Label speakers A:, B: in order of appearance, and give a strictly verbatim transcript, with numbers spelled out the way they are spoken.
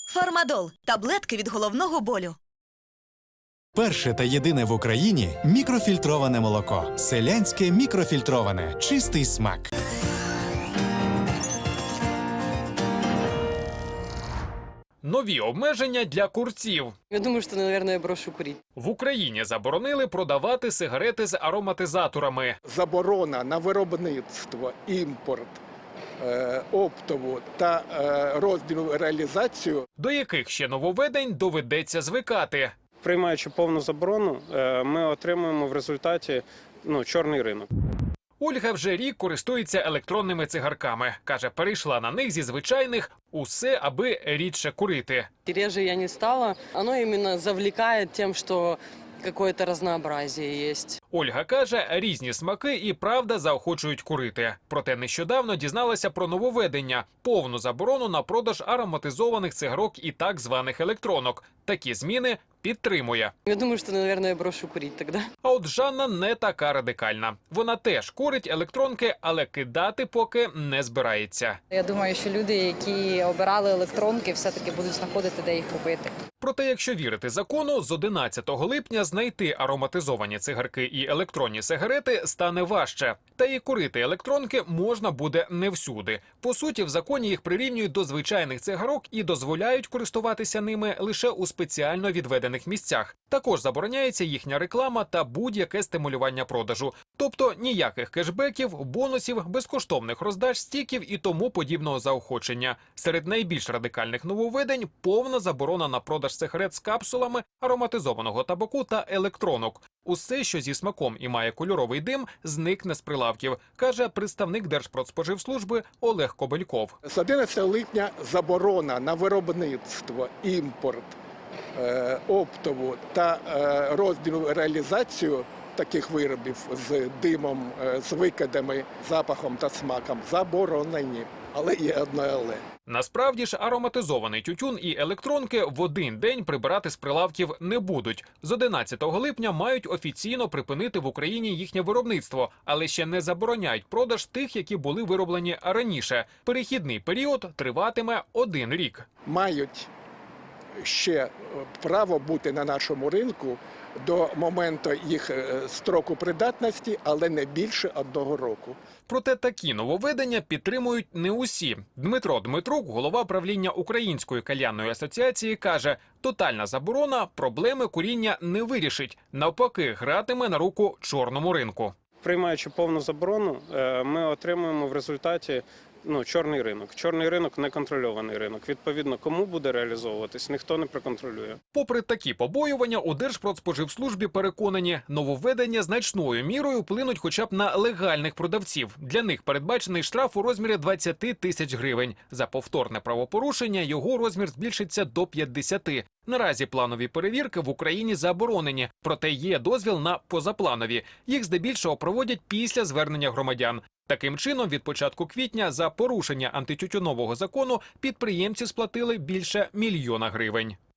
A: Фармадол – таблетки від головного болю.
B: Перше та єдине в Україні мікрофільтроване молоко. Селянське мікрофільтроване. Чистий смак.
C: Нові обмеження для курців.
D: Я думаю, что, наверное, я брошу курить.
C: В Україні заборонили продавати сигарети з ароматизаторами.
E: Заборона на виробництво, імпорт, е, оптову та е, роздільну реалізацію.
C: До яких ще нововведень доведеться звикати.
F: Приймаючи повну заборону, ми отримуємо в результаті ну, чорний ринок.
C: Ольга вже рік користується електронними цигарками. Каже, перейшла на них зі звичайних усе, аби рідше курити.
D: Реже я не стала. Оно именно завлекает тем, что какое-то разнообразие есть.
C: Ольга каже, різні смаки і правда заохочують курити. Проте нещодавно дізналася про нововведення – повну заборону на продаж ароматизованих цигарок і так званих електронок. Такі зміни підтримує.
D: Я думаю, что, наверное, я брошу курить тогда.
C: А от Жанна не така радикальна. Вона теж курить електронки, але кидати поки не збирається.
G: Я думаю, що люди, які обирали електронки, все-таки будуть знаходити, де їх купити.
C: Проте, якщо вірити закону, з одинадцятого липня знайти ароматизовані цигарки і електронні сигарети стане важче. Та і курити електронки можна буде не всюди. По суті, в законі їх прирівнюють до звичайних цигарок і дозволяють користуватися ними лише у спеціально відведених місцях. Також забороняється їхня реклама та будь-яке стимулювання продажу. Тобто ніяких кешбеків, бонусів, безкоштовних роздач, стіків і тому подібного заохочення. Серед найбільш радикальних нововведень – повна заборона на продаж сигарет з капсулами, ароматизованого табаку та електронок. Усе, що зі смаком і має кольоровий дим, зникне з прилавків, каже представник Держпродспоживслужби Олег Кобельков.
E: З одинадцятого липня заборона на виробництво, імпорт, е, оптову та е, роздільну реалізацію таких виробів з димом, е, з викидами, запахом та смаком заборонені. Але є одне але.
C: Насправді ж ароматизований тютюн і електронки в один день прибирати з прилавків не будуть. З одинадцятого липня мають офіційно припинити в Україні їхнє виробництво, але ще не забороняють продаж тих, які були вироблені раніше. Перехідний період триватиме один рік.
E: Мають ще право бути на нашому ринку до моменту їх строку придатності, але не більше одного року.
C: Проте такі нововведення підтримують не усі. Дмитро Дмитрук, голова правління Української кальянної асоціації, каже, тотальна заборона проблеми куріння не вирішить. Навпаки, гратиме на руку чорному ринку.
F: Приймаючи повну заборону, ми отримуємо в результаті ну, чорний ринок. Чорний ринок – неконтрольований ринок. Відповідно, кому буде реалізовуватись, ніхто не проконтролює.
C: Попри такі побоювання, у Держпродспоживслужбі переконані, нововведення значною мірою вплинуть хоча б на легальних продавців. Для них передбачений штраф у розмірі двадцяти тисяч гривень. За повторне правопорушення його розмір збільшиться до п'ятдесяти. Наразі планові перевірки в Україні заборонені, проте є дозвіл на позапланові. Їх здебільшого проводять після звернення громадян. Таким чином, від початку квітня за порушення антитютюнового закону підприємці сплатили більше мільйона гривень.